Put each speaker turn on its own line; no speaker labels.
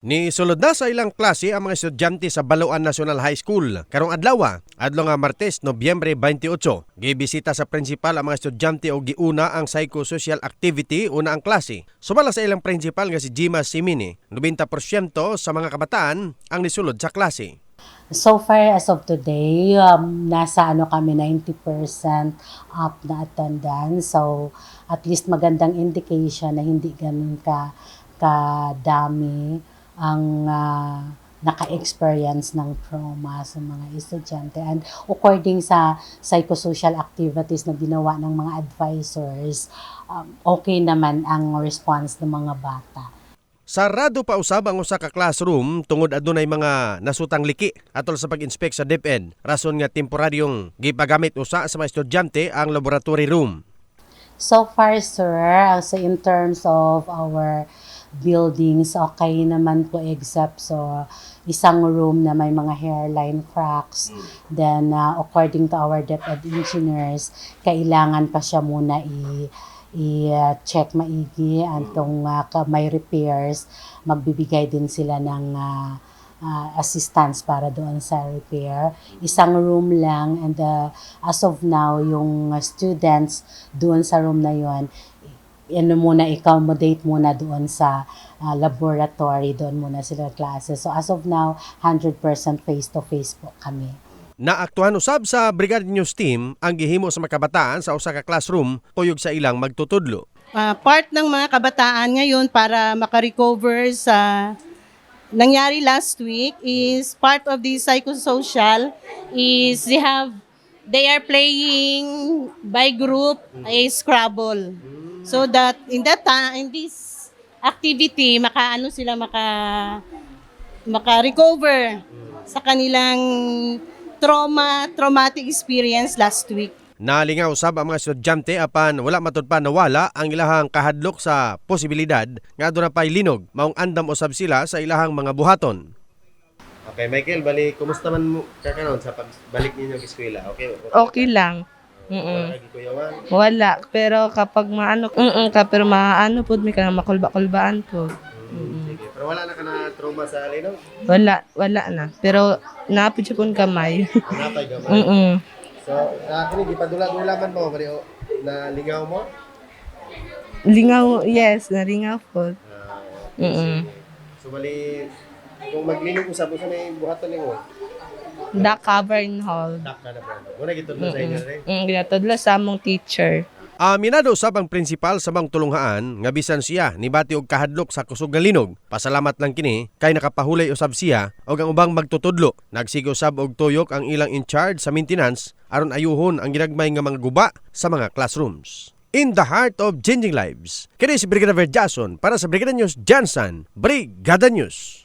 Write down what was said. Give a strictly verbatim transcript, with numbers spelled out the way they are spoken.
Ni sulod na sa ilang klase ang mga estudyante sa Baluan National High School. Karong adlaw, adlaw nga Martes, Nobyembre twenty-eight, gibisita sa principal ang mga estudyante o giuna ang psychosocial activity una ang klase. Sumala sa ilang principal nga si Jima Simini, ninety percent sa mga kabataan ang nisulod sa klase.
So far as of today, um, nasa ano kami ninety percent up na attendance. So at least magandang indication na hindi ganun ka kadami ang uh, naka-experience ng trauma sa mga estudyante. And according sa psychosocial activities na ginawa ng mga advisors, um, okay naman ang response ng mga bata.
Sarado pa usab ang usa ka classroom tungod adunay mga nasutang liki atol sa pag-inspect sa DepEd. Rason nga temporaryong gipagamit usa sa mga estudyante ang laboratory room.
So far, sir, so in terms of our buildings, okay naman po except so isang room na may mga hairline cracks. Then, uh, according to our DepEd engineers, kailangan pa siya muna i- i-check maigi antong uh, may repairs. Magbibigay din sila ng uh, uh, assistance para doon sa repair. Isang room lang and uh, as of now, yung students doon sa room na yon, ano muna, accommodate muna doon sa uh, laboratory, doon muna sila klase. So as of now, one hundred percent face-to-face po kami.
Naaktuhan usab sa Brigada News Team ang gihimo sa mga kabataan sa usa ka classroom tuyog sa ilang magtutudlo.
Uh, part ng mga kabataan ngayon para makarecover sa nangyari last week is part of the psychosocial is they have they are playing by group a Scrabble. So that in that time, in this activity, makaano sila maka maka-recover sa kanilang trauma, traumatic experience last week.
Nalingaw usab ang mga estudyante apan wala matud pa nawala ang ilahang kahadlok sa posibilidad nga aduna pay linog maong andam usab sila sa ilahang mga buhaton. Okay, Michael, bali kumusta man mo kakaron sa pagbalik ninyo sa eskwela? Okay.
Okay lang. Mm. Wala, pero kapag maano, mm ka pero maano pud mi kana makulba-kulbaan ko.
Mm. Sige. Pero wala na ka na trauma sa linog?
Wala, wala na. Pero napid siya pun kamay.
Napay gamay.
Mm.
So, uh, kini gipadula-dulaman mo bali o, na lingaw mo?
Lingaw, yes, naringaw po.
Uh,
Mm.
So bali kung maglinog usab usa may buhaton ninyo.
Da cavern hall.
Tap na na brand. Muna gitudlo sa inyo rin.
Mm, ginatudlo sa among teacher.
Aminado usab ang prinsipal sa mga tulunghaan nga bisan siya nibati og kahadlok sa kusog nga linog. Pasalamat lang kini kay nakapahulay usab siya og ang ubang magtutudlo. Nagsige usab og tuyok ang ilang in charge sa maintenance aron ayuhon ang ginagmay nga mga guba sa mga classrooms. In the heart of changing lives, kini si Brigadier Jason para sa Brigada News Jansan, Brigada News.